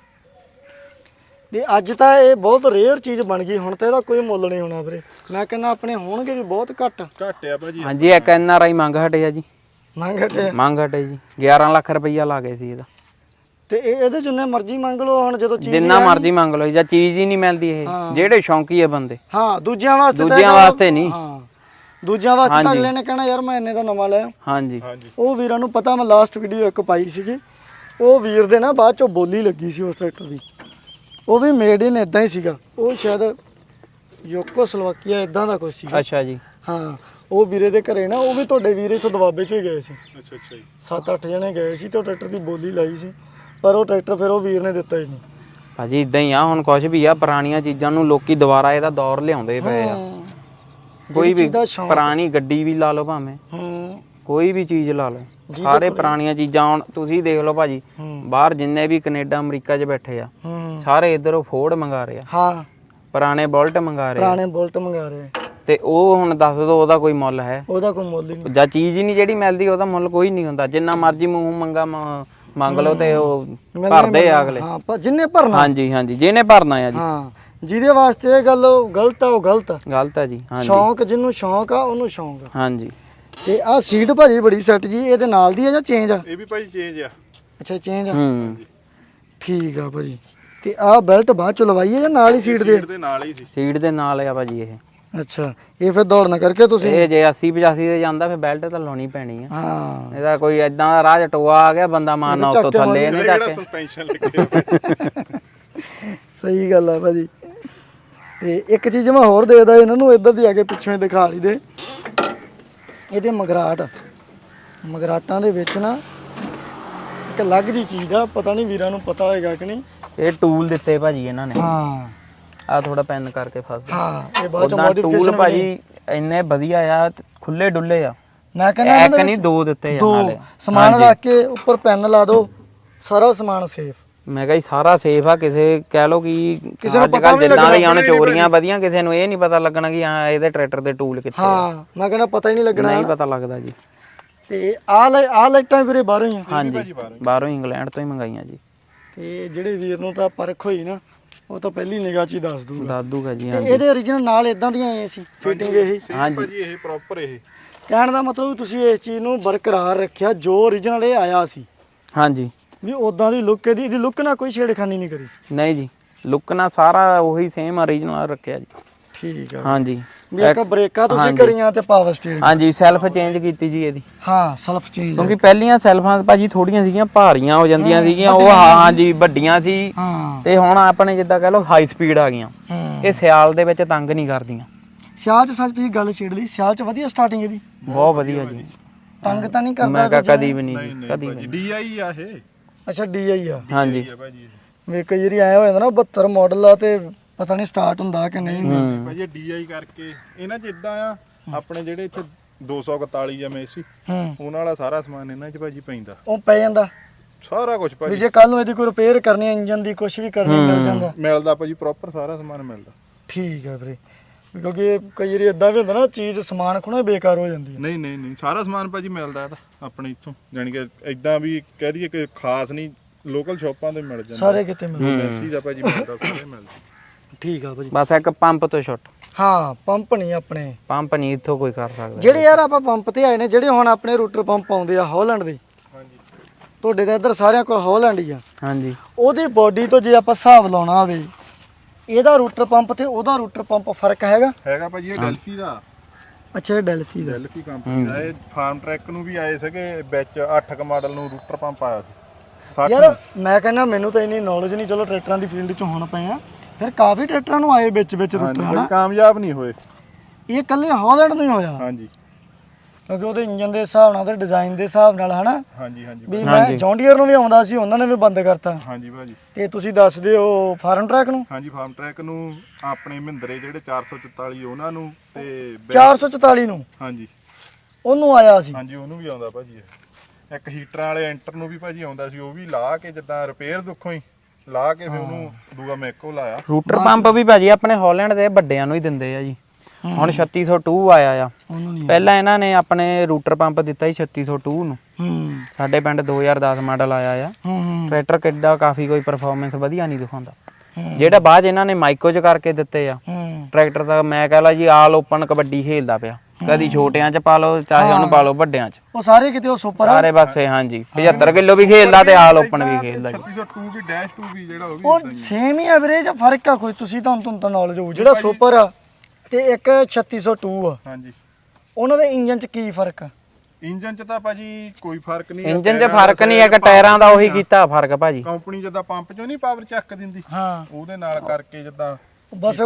A: ਤੇ ਅੱਜ ਤਾਂ ਇਹ ਬਹੁਤ ਰੇਅਰ ਚੀਜ਼ ਬਣ ਗਈ, ਹੁਣ ਤਾਂ ਇਹਦਾ ਕੋਈ ਮੁੱਲ ਨਹੀਂ ਹੋਣਾ ਵੀਰੇ। ਮੈਂ ਕਹਿੰਦਾ ਆਪਣੇ ਹੋਣਗੇ ਵੀ ਬਹੁਤ ਘੱਟ।
C: ਘੱਟ ਆ ਭਾਜੀ।
B: ਹਾਂਜੀ ਇੱਕ ਐਨ ਆਰ ਆਈ ਮੰਗ ਹਟੇ ਆ ਜੀ।
A: ਮੰਗ ਹਟੇ
B: ਮੰਗ ਹਟੇ ਜੀ ਗਿਆਰਾਂ ਲੱਖ ਰੁਪਈਆ ਲਾ ਗਏ ਸੀ ਇਹਦਾ।
A: ਤੇ ਇਹ ਇਹਦੇ ਜਿੰਨੇ ਮਰਜ਼ੀ ਮੰਗ ਲਓ ਹੁਣ ਜਦੋਂ ਚੀਜ਼
B: ਜਿੰਨਾ ਮਰਜ਼ੀ ਮੰਗ ਲਓ ਜਾਂ ਚੀਜ਼ ਹੀ ਨਹੀਂ ਮਿਲਦੀ ਇਹ, ਜਿਹੜੇ ਸ਼ੌਂਕੀ ਆ ਬੰਦੇ।
A: ਹਾਂ ਦੂਜਿਆਂ ਵਾਸਤੇ ਤਾਂ
B: ਦੂਜਿਆਂ
A: ਇਹ
B: ਵਾਸਤੇ ਨਹੀਂ।
A: ਹਾਂ ਦੂਜਿਆਂ ਵਾਸਤੇ ਤਾਂ ਅਗਲੇ ਨੇ ਕਹਿਣਾ ਯਾਰ ਮੈਂ ਇੰਨੇ ਦਾ ਨਵਾਂ ਲਿਆ।
B: ਹਾਂਜੀ
C: ਹਾਂਜੀ
A: ਉਹ ਵੀਰਾਂ ਨੂੰ ਪਤਾ, ਮੈਂ ਲਾਸਟ ਵੀਡੀਓ ਇੱਕ ਪਾਈ ਸੀਗੀ, ਉਹ ਵੀਰ ਦੇ ਨਾ ਬਾਅਦ ਚੋਂ ਬੋਲੀ ਲੱਗੀ ਸੀ ਉਸ ਟਰੈਕਟਰ ਦੀ, ਉਹ ਵੀ ਮੇਡ ਇਨ ਇਦਾਂ ਹੀ ਸੀਗਾ, ਉਹ ਸ਼ਾਇਦ ਯੋਕੋ ਸਲੋਵਾਕੀਆ ਇਦਾਂ ਦਾ ਕੁਝ ਸੀਗਾ।
B: ਅੱਛਾ ਜੀ।
A: ਹਾਂ ਉਹ ਵੀਰੇ ਦੇ ਘਰੇ ਨਾ, ਉਹ ਵੀ ਤੁਹਾਡੇ ਵੀਰੇ ਤੋਂ ਦਵਾਬੇ ਚੋਂ ਹੀ ਗਏ ਸੀ,
C: ਅੱਛਾ ਅੱਛਾ ਜੀ।
A: ਸੱਤ ਅੱਠ ਜਣੇ ਗਏ ਸੀ ਤੇ ਉਹ ਟਰੈਕਟਰ ਦੀ ਬੋਲੀ ਲਾਈ ਸੀ, ਪਰ ਉਹ ਟਰੈਕਟਰ ਫਿਰ ਉਹ ਵੀਰ ਨੇ ਦਿੱਤਾ ਹੀ ਨਹੀਂ।
B: ਭਾਜੀ ਇਦਾਂ ਹੀ ਆ, ਹੁਣ ਕੁਝ ਵੀ ਆ ਪੁਰਾਣੀਆਂ ਚੀਜ਼ਾਂ ਨੂੰ ਲੋਕੀ ਦੁਬਾਰਾ ਇਹਦਾ ਦੌਰ ਲਿਆਉਂਦੇ ਪਏ ਆ। ਕੋਈ ਵੀ ਪੁਰਾਣੀ ਗੱਡੀ ਵੀ ਲਾ ਲਓ ਭਾਵੇਂ,
A: ਹੂੰ
B: ਕੋਈ ਵੀ ਚੀਜ਼ ਲਾ ਲਓ, ਸਾਰੇ ਪੁਰਾਣੀਆਂ ਚੀਜ਼ਾਂ। ਹੁਣ ਤੁਸੀਂ ਦੇਖ ਲਓ ਭਾਜੀ ਬਾਹਰ ਜਿੰਨੇ ਵੀ ਕੈਨੇਡਾ ਅਮਰੀਕਾ 'ਚ ਬੈਠੇ ਆ ਸਾਰੇ ਇੱਧਰੋਂ ਫੋਰਡ ਮੰਗਾ ਰਹੇ ਆ,
A: ਹਾਂ
B: ਪੁਰਾਣੇ ਬੁਲਟ ਮੰਗਾ ਰਹੇ ਆ,
A: ਪੁਰਾਣੇ ਬੁਲਟ ਮੰਗਾ ਰਹੇ,
B: ਤੇ ਉਹ ਹੁਣ ਦੱਸ ਦੋ ਉਹਦਾ ਕੋਈ ਮੁੱਲ ਹੈ?
A: ਉਹਦਾ ਕੋਈ ਮੁੱਲ ਹੀ ਨਹੀਂ।
B: ਜਾਂ ਚੀਜ਼ ਹੀ ਨਹੀਂ ਜਿਹੜੀ ਮਿਲਦੀ ਉਹਦਾ ਮੁੱਲ ਕੋਈ ਨਹੀਂ ਹੁੰਦਾ। ਜਿੰਨਾ ਮਰਜ਼ੀ ਮੂੰਹ ਮੰਗਾ ਮ- ਮੰਗ ਲਓ ਤੇ ਉਹ ਭਰਦੇ ਆ ਅਗਲੇ।
A: ਹਾਂ ਪਰ ਜਿੰਨੇ ਭਰਨਾ।
B: ਹਾਂਜੀ ਹਾਂਜੀ ਜਿਹਨੇ ਭਰਨਾ ਆ ਜੀ।
A: ਹਾਂ ਜਿਹਦੇ ਵਾਸਤੇ ਇਹ ਗੱਲ ਗਲਤ ਆ ਉਹ ਗਲਤ ਆ।
B: ਗਲਤ ਆ ਜੀ। ਹਾਂਜੀ
A: ਸ਼ੌਂਕ ਜਿਹਨੂੰ ਸ਼ੌਂਕ ਆ ਉਹਨੂੰ ਸ਼ੌਂਕ ਆ।
B: ਹਾਂਜੀ
A: ਤੇ ਆਹ ਸੀਟ ਭਾਜੀ ਬੜੀ ਸੈੱਟ ਜੀ, ਇਹਦੇ ਨਾਲ ਦੀ ਆ ਜਾਂ ਚੇਂਜ ਆ?
C: ਇਹ ਵੀ ਭਾਜੀ ਚੇਂਜ ਆ।
A: ਅੱਛਾ ਚੇਂਜ ਆ,
B: ਹੂੰ
A: ਠੀਕ ਆ ਭਾਜੀ। ਤੇ ਆਹ ਬੈਲਟ ਬਾਅਦ ਚ ਲਵਾਈ ਹੈ ਜਾਂ ਨਾਲ ਹੀ ਸੀਟ ਦੇ?
C: ਸੀਟ ਦੇ ਨਾਲ ਹੀ ਸੀ।
B: ਸੀਟ ਦੇ ਨਾਲ ਆ ਭਾਜੀ ਇਹ।
A: ਅੱਛਾ ਇਹ ਫਿਰ ਦੌੜਨਾ ਕਰਕੇ ਤੁਸੀਂ?
B: ਇਹ ਜੇ ਅੱਸੀ ਪਚਾਸੀ ਤੇ ਜਾਂਦਾ ਫਿਰ ਬੈਲਟ ਤਾਂ ਲਾਉਣੀ ਪੈਣੀ ਆ।
A: ਹਾਂ
B: ਇਹਦਾ ਕੋਈ ਇਦਾਂ ਦਾ ਰਾਹ 'ਚ ਟੋਆ ਆ ਗਿਆ ਬੰਦਾ ਮਾਰਨਾ ਉੱਤੋਂ ਥੱਲੇ ਇਹਨੇ
C: ਜਿਹੜਾ
B: ਚੱਕ
C: ਸਸਪੈਂਸ਼ਨ ਲੱਗਿਆ।
A: ਸਹੀ ਗੱਲ ਆ ਭਾਜੀ। ਤੇ ਇੱਕ ਚੀਜ਼ ਮੈਂ ਹੋਰ ਦੇਖਦਾ ਇਹਨਾਂ ਨੂੰ, ਇੱਧਰ ਦੀ ਆ ਕੇ ਪਿੱਛੋਂ ਹੀ ਦਿਖਾ ਲਈ ਦੇ, ਇਹਦੇ ਮਗਰਾਟ, ਮਗਰਾਟਾਂ ਦੇ ਵਿੱਚ ਨਾ ਇੱਕ ਅਲੱਗ ਜੀ ਚੀਜ਼ ਆ, ਪਤਾ ਨਹੀਂ ਵੀਰਾਂ ਨੂੰ ਪਤਾ ਹੋਏਗਾ ਕਿ ਨਹੀਂ।
B: ਇਹ ਟੂਲ ਦਿੱਤੇ ਭਾਜੀ ਇਹਨਾਂ ਨੇ।
A: ਹਾਂ
B: ਆ ਥੋੜਾ ਪੈਨ ਕਰਕੇ ਫਸ ਗਿਆ।
A: ਹਾਂ ਇਹ ਬਾਅਦ ਚ
B: ਉਦਾਂ
A: ਮੋਡੀਫਿਕੇਸ਼ਨ
B: ਟੂਲ ਭਾਜੀ ਇੰਨੇ ਵਧੀਆ ਆ, ਖੁੱਲੇ ਡੁੱਲੇ ਆ।
A: ਮੈਂ ਕਹਿੰਦਾ
B: ਇੱਕ ਨਹੀਂ ਦੋ ਦਿੱਤੇ ਆ
A: ਦੋ
B: ਨਾਲੇ।
A: ਸਮਾਨ ਰੱਖ ਕੇ ਉੱਪਰ ਪੈਨ ਲਾ ਦਿਓ, ਸਾਰਾ ਸਮਾਨ ਸੇਫ।
B: ਮੈਂ ਕਿਹਾ ਜੀ ਸਾਰਾ ਸੇਫ ਆ। ਕਿਸੇ ਕਹਿ ਲੋ ਕਿ
A: ਕਿਸੇ ਨੂੰ
B: ਅੱਜ
A: ਪਤਾ
B: ਕੱਲ੍ਹ
A: ਵੀ
B: ਜਿੱਦਾਂ ਦੀਆਂ ਹੁਣ ਚੋਰੀਆਂ ਵਧੀਆਂ, ਕਿਸੇ ਨੂੰ ਇਹ ਨਹੀਂ ਪਤਾ ਲੱਗਣਾ ਕਿ ਹਾਂ ਇਹਦੇ ਟਰੈਕਟਰ ਦੇ ਟੂਲ ਕਿੱਥੇ ਆ।
A: ਹਾਂ ਮੈਂ ਕਹਿੰਦਾ ਪਤਾ ਹੀ ਨਹੀਂ ਲੱਗਣਾ।
B: ਨਹੀਂ ਪਤਾ ਲੱਗਦਾ ਜੀ।
A: ਤੇ ਆਹ ਲੈ ਆਹ ਲਾਈਟਾਂ ਵੀਰੇ ਬਾਹਰੋਂ ਹੀ ਆ?
B: ਹਾਂਜੀ ਬਾਹਰੋਂ ਇੰਗਲੈਂਡ ਤੋਂ ਹੀ ਮੰਗਾਈਆਂ ਜੀ।
A: ਤੇ ਜਿਹੜੇ ਵੀਰ ਨੂੰ ਤਾਂ ਪਰਖ ਹੋਈ ਨਾ, ਉਹ ਤਾਂ ਪਹਿਲੀ ਨਿਗਾਹ 'ਚ ਹੀ ਦੱਸ ਦੂਗਾ।
B: ਦੱਸ ਦੂਗਾ ਜੀ।
A: ਤੇ
B: ਹਾਂਜੀ
A: ਇਹਦੇ origignal ਨਾਲ ਇਦਾਂ ਦੀਆਂ ਆਏ ਸੀ ਫਿਟਿੰਗ ਇਹੀ?
C: ਹਾਂਜੀ ਭਾਜੀ ਇਹ ਪ੍ਰੋਪਰ ਇਹ
A: ਕਹਿਣ ਦਾ ਮਤਲਬ ਤੁਸੀਂ ਇਸ ਚੀਜ਼ ਨੂੰ ਬਰਕਰਾਰ ਰੱਖਿਆ ਜੋ origignal ਇਹ ਆਇਆ ਸੀ,
B: ਹਾਂਜੀ
A: ਵੀ ਉਦਾਂ ਦੀ ਲੁੱਕ ਇਹਦੀ, ਇਹਦੀ ਲੁੱਕ ਨਾਲ ਕੋਈ ਛੇੜਖਾਨੀ ਨਹੀਂ ਕਰੀ?
B: ਨਹੀਂ ਜੀ, ਲੁੱਕ ਨਾਲ ਸਾਰਾ ਉਹੀ ਸੇਮ ਓਰੀਜਨਲ ਰੱਖਿਆ ਜੀ।
A: ਠੀਕ ਆ।
B: ਹਾਂਜੀ
A: ਵੀ ਇੱਕ ਬ੍ਰੇਕਾਂ ਤੁਸੀਂ ਕਰੀਆਂ ਤੇ ਪਾਵਰ ਸਟੀਅਰਿੰਗ।
B: ਹਾਂਜੀ ਸੈਲਫ ਚੇਂਜ ਕੀਤੀ ਜੀ ਇਹਦੀ।
A: ਹਾਂ ਸੈਲਫ ਚੇਂਜ।
B: ਕਿਉਂਕਿ ਪਹਿਲੀਆਂ ਸੈਲਫਾਂ ਭਾਜੀ ਥੋੜੀਆਂ ਸੀਗੀਆਂ ਭਾਰੀਆਂ ਹੋ ਜਾਂਦੀਆਂ ਸੀਗੀਆਂ ਉਹ ਹਾਂਜੀ ਵੱਡੀਆਂ ਸੀ
A: ਹਾਂ
B: ਤੇ ਹੁਣ ਆਪਣੇ ਜਿੱਦਾਂ ਕਹ ਲਓ ਹਾਈ ਸਪੀਡ ਆ ਗਈਆਂ। ਇਹ ਸਿਆਲ ਦੇ ਵਿੱਚ ਤੰਗ ਨਹੀਂ ਕਰਦੀਆਂ।
A: ਸਿਆਲ ਚ ਸੱਚ ਤੁਸੀਂ ਗੱਲ ਛੇੜ ਲਈ, ਸਿਆਲ ਚ ਵਧੀਆ ਸਟਾਰਟਿੰਗ ਇਹਦੀ
B: ਬਹੁਤ ਵਧੀਆ ਜੀ।
A: ਤੰਗ ਤਾਂ ਨਹੀਂ ਕਰਦਾ?
B: ਮੈਂ ਕਹਾ ਕਦੀ ਵੀ ਨਹੀਂ ਕਦੀ ਵੀ।
C: ਡੀਆਈ ਆ ਇਹ।
A: ਅੱਛਾ ਡੀਆਈ ਆ।
B: ਹਾਂਜੀ
C: ਭਾਜੀ
A: ਵੇ ਕਈ ਵਾਰੀ ਆਇਆ ਹੋ ਜਾਂਦਾ ਨਾ ਬਹੱਤਰ ਮਾਡਲ ਆ ਤੇ ਪਤਾ ਨਹੀਂ ਸਟਾਰਟ ਹੁੰਦਾ ਕਿ ਨਹੀਂ।
C: ਭਾਜੀ ਡੀਆਈ ਕਰਕੇ ਇਹਨਾਂ ਚ ਇਦਾਂ ਆ ਆਪਣੇ ਜਿਹੜੇ ਇੱਥੇ ਦੋ ਸੌ ਇਕਤਾਲੀ ਆ ਮੈਸੀ
A: ਹੂੰ
C: ਉਹਨਾਂ ਵਾਲਾ ਸਾਰਾ ਸਮਾਨ ਇਹਨਾਂ ਚ ਭਾਜੀ ਪੈਂਦਾ।
A: ਉਹ ਪੈ ਜਾਂਦਾ
C: ਸਾਰਾ ਕੁਝ
A: ਵੀ
C: ਭਾਜੀ।
A: ਜੇ ਕੱਲ ਨੂੰ ਇਹਦੀ ਕੋਈ ਰਿਪੇਅਰ ਕਰਨੀ ਹੈ ਇੰਜਨ ਦੀ ਕੁਝ ਵੀ ਕਰਨੀ ਮਿਲ ਜਾਂਦਾ।
C: ਮਿਲਦਾ ਭਾਜੀ ਪ੍ਰੋਪਰ ਸਾਰਾ ਸਮਾਨ ਮਿਲਦਾ।
A: ਠੀਕ ਹੈ ਵੀਰੇ ਕਿਉਂਕਿ ਕਈ ਵਾਰੀ ਇਦਾਂ ਵੀ ਹੁੰਦਾ ਨਾ ਚੀਜ਼ ਸਮਾਨ ਖੁਣਾ ਬੇਕਾਰ ਹੋ ਜਾਂਦੀ ਹੈ।
C: ਨਹੀਂ ਨਹੀਂ ਨਹੀਂ ਸਾਰਾ ਸਮਾਨ ਭਾਜੀ ਮਿਲਦਾ ਇਹਦਾ ਆਪਣੇ ਇੱਥੋਂ, ਜਾਨੀ ਕਿ ਇਦਾਂ ਵੀ ਕਹਿ ਦਈਏ ਕਿ ਖਾਸ ਨਹੀਂ ਲੋਕਲ ਸ਼ਾਪਾਂ ਤੇ ਮਿਲ ਜਾਂਦਾ।
A: ਸਾਰੇ ਕਿਤੇ ਮਿਲਦਾ।
C: ਮੈਸੀ ਦਾ ਭਾਜੀ ਮਿਲਦਾ ਸਾਰੇ ਮਿਲਦਾ।
A: ਠੀਕ ਆ ਭਾਜੀ।
B: ਬਸ ਇੱਕ ਪੰਪ ਤੋਂ ਛੁੱਟ।
A: ਹਾਂ ਪੰਪ ਨਹੀਂ ਆਪਣੇ
B: ਪੰਪ ਨਹੀਂ ਇੱਥੋਂ ਕੋਈ ਕਰ ਸਕਦਾ।
A: ਜਿਹੜੇ ਯਾਰ ਆਪਾਂ ਪੰਪ ਤੇ ਆਏ ਨੇ ਜਿਹੜੇ ਹੁਣ ਆਪਣੇ ਰੂਟਰ ਪੰਪ ਆਉਂਦੇ ਆ ਹਾਲੈਂਡ ਦੇ।
C: ਹਾਂਜੀ
A: ਤੁਹਾਡੇ ਤਾਂ ਇੱਧਰ ਸਾਰਿਆਂ ਕੋਲ ਹਾਲੈਂਡ ਹੀ ਆ।
B: ਹਾਂਜੀ
A: ਉਹਦੀ ਬਾਡੀ ਤੋਂ ਜੇ ਆਪਾਂ ਹਿਸਾਬ ਲਾਉਣਾ ਹੋਵੇ ਇਹਦਾ ਰੂਟਰ ਪੰਪ ਤੇ ਉਹਦਾ ਰੂਟਰ ਪੰਪ ਫਰਕ ਹੈਗਾ?
C: ਹੈਗਾ ਭਾਜੀ ਇਹ ਡੈਲਫੀ ਦਾ।
A: ਅੱਛਾ ਇਹ ਡੈਲਫੀ ਦਾ।
C: ਡੈਲਫੀ ਕੰਪਨੀ ਦਾ। ਇਹ ਫਾਰਮ ਟਰੈਕ ਨੂੰ ਵੀ ਆਏ ਸੀਗੇ ਵਿੱਚ ਅੱਠ ਕ ਮਾਡਲ ਨੂੰ ਰੂਟਰ ਪੰਪ ਆਇਆ ਸੀ ਸੱਠ।
A: ਯਾਰ ਮੈਂ ਕਹਿੰਦਾ ਮੈਨੂੰ ਤਾਂ ਇੰਨੀ ਨੌਲੇਜ ਨਹੀਂ, ਚਲੋ ਟਰੈਕਟਰਾਂ ਦੀ ਫੀਲਡ 'ਚ ਹੁਣ ਪਏ ਆ ਫਿਰ ਕਾਫੀ ਟਰੈਕਟਰਾਂ ਨੂੰ ਆਏ ਵਿੱਚ ਵਿੱਚ ਰੂਟਰ ਹਨਾ।
C: ਕਾਮਯਾਬ ਨਹੀਂ ਹੋਏ।
A: ਇਹ ਇਕੱਲੇ ਹਾਲੈਂਡ ਨੂੰ ਹੀ ਹੋਇਆ
C: ਹਾਂਜੀ
A: ਕਿਉਂਕਿ ਉਹਦੇ ਇੰਜਨ ਦੇ ਹਿਸਾਬ ਨਾਲ ਤੇ ਡਿਜ਼ਾਈਨ ਦੇ ਹਿਸਾਬ ਨਾਲ ਹਨਾ।
C: ਹਾਂਜੀ ਹਾਂਜੀ
A: ਵੀ ਮੈਂ ਜੌਂਡੀਅਰ ਨੂੰ ਵੀ ਆਉਂਦਾ ਸੀ ਉਹਨਾਂ ਨੇ ਵੀ ਬੰਦ ਕਰਤਾ।
C: ਹਾਂਜੀ ਭਾਜੀ।
A: ਤੇ ਤੁਸੀਂ ਦੱਸਦੇ ਹੋ ਫਾਰਮ ਟਰੈਕ ਨੂੰ?
C: ਹਾਂਜੀ ਫਾਰਮ ਟਰੈਕ ਨੂੰ ਆਪਣੇ ਮਹਿੰਦਰੇ ਜਿਹੜੇ ਚਾਰ ਸੌ ਚੁਤਾਲੀ ਉਹਨਾਂ ਨੂੰ ਤੇ
A: ਚਾਰ ਸੌ ਚੁਤਾਲੀ ਨੂੰ
C: ਹਾਂਜੀ
A: ਉਹਨੂੰ ਆਇਆ ਸੀ।
C: ਹਾਂਜੀ ਉਹਨੂੰ ਵੀ ਆਉਂਦਾ ਭਾਜੀ ਇਹ। ਇੱਕ ਹੀਟਰਾਂ ਵਾਲੇ ਐਂਟਰ ਨੂੰ ਵੀ ਭਾਜੀ ਆਉਂਦਾ ਸੀ, ਉਹ ਵੀ ਲਾ ਕੇ ਜਿੱਦਾਂ ਰਿਪੇਅਰ ਦੁੱਖੋਂ ਹੀ ਲਾ ਕੇ ਫਿਰ ਉਹਨੂੰ ਦੂਆ ਮੈਕੋ ਲਾਇਆ।
B: ਰੂਟਰ ਪੰਪ ਵੀ ਭਾਜੀ ਆਪਣੇ ਹਾਲੈਂਡ ਦੇ ਵੱਡਿਆਂ ਨੂੰ ਹੀ ਦਿੰਦੇ ਆ ਜੀ। ਹੁਣ ਛੱਤੀ ਸੌ ਦੋ ਆਇਆ ਆ।
A: ਉਹਨੂੰ ਨਹੀਂ
B: ਪਹਿਲਾਂ ਇਹਨਾਂ ਨੇ ਆਪਣੇ ਰੂਟਰ ਪੰਪ ਦਿੱਤਾ ਸੀ ਛੱਤੀ ਸੌ ਦੋ ਨੂੰ।
A: ਹੂੰ
B: ਸਾਡੇ ਪਿੰਡ ਦੋ ਹਜ਼ਾਰ ਦਸ ਮਾਡਲ ਆਇਆ ਆ।
A: ਹੂੰ ਹੂੰ
B: ਟਰੈਕਟਰ ਕਿੱਡਾ ਕਾਫੀ ਕੋਈ ਪਰਫਾਰਮੈਂਸ ਵਧੀਆ ਨਹੀਂ ਦਿਖਾਉਂਦਾ। ਜਿਹੜਾ ਬਾਅਦ ਇਹਨਾਂ ਨੇ ਮਾਈਕੋ ਚ ਕਰਕੇ ਦਿੱਤੇ ਆ
A: ਹੂੰ
B: ਟਰੈਕਟਰ ਦਾ ਮੈਂ ਕਹ ਲਾ ਜੀ ਆਲ ਓਪਨ ਕਬੱਡੀ ਖੇਲਦਾ ਪਿਆ। ਕਦੀ ਛੋਟਿਆਂ ਚ ਪਾ ਲਓ ਚਾਹੇ ਉਹਨੂੰ ਪਾ ਲਓ ਵੱਡਿਆਂ ਚ।
A: ਉਹ ਸਾਰੇ ਕਿਤੇ ਉਹ ਸੁਪਰ ਆ।
B: ਸਾਰੇ ਪਾਸੇ ਹਾਂਜੀ ਪਝੱਤਰ ਕਿਲੋ ਵੀ ਖੇਲਦਾ ਤੇ ਆਲ ਓਪਨ ਵੀ ਖੇਲਦਾ ਜੀ।
C: ਛੱਤੀ ਸੌ ਦੋ ਵੀ ਡੈਸ਼ ਦੋ ਵੀ ਜਿਹੜਾ ਉਹ ਵੀ
A: ਉਹ ਸੇਮ ਹੀ ਐਵਰੇਜ ਫਰਕ ਆ ਕੋਈ? ਤੁਸੀਂ ਤੁਹਾਨੂੰ ਤੁਹਾਨੂੰ ਤਾਂ ਨੌਲੇਜ ਹੋਊ ਜਿਹੜਾ ਸੁਪਰ ਆ ਤੇ ਇੱਕ ਛੱਤੀ ਸੌ ਦੋ ਆ
C: ਹਾਂਜੀ
A: ਉਹਨਾਂ ਦੇ ਇੰਜਨ 'ਚ ਕੀ ਫਰਕ ਆ?
C: ਇੰਜਨ ਚ ਤਾਂ ਭਾਜੀ ਕੋਈ ਫਰਕ ਨਹੀਂ।
B: ਇੰਜਨ 'ਚ ਫਰਕ ਨਹੀਂ ਹੈਗਾ, ਟਾਇਰਾਂ ਦਾ ਉਹੀ ਕੀਤਾ ਫਰਕ ਭਾਜੀ।
C: ਕੰਪਨੀ ਜਿੱਦਾਂ ਪੰਪ ਚੋਂ ਨਹੀਂ ਪਾਵਰ ਚੱਕ ਦਿੰਦੀ
A: ਹਾਂ
C: ਉਹਦੇ ਨਾਲ ਕਰਕੇ ਜਿੱਦਾਂ
A: ਬਸ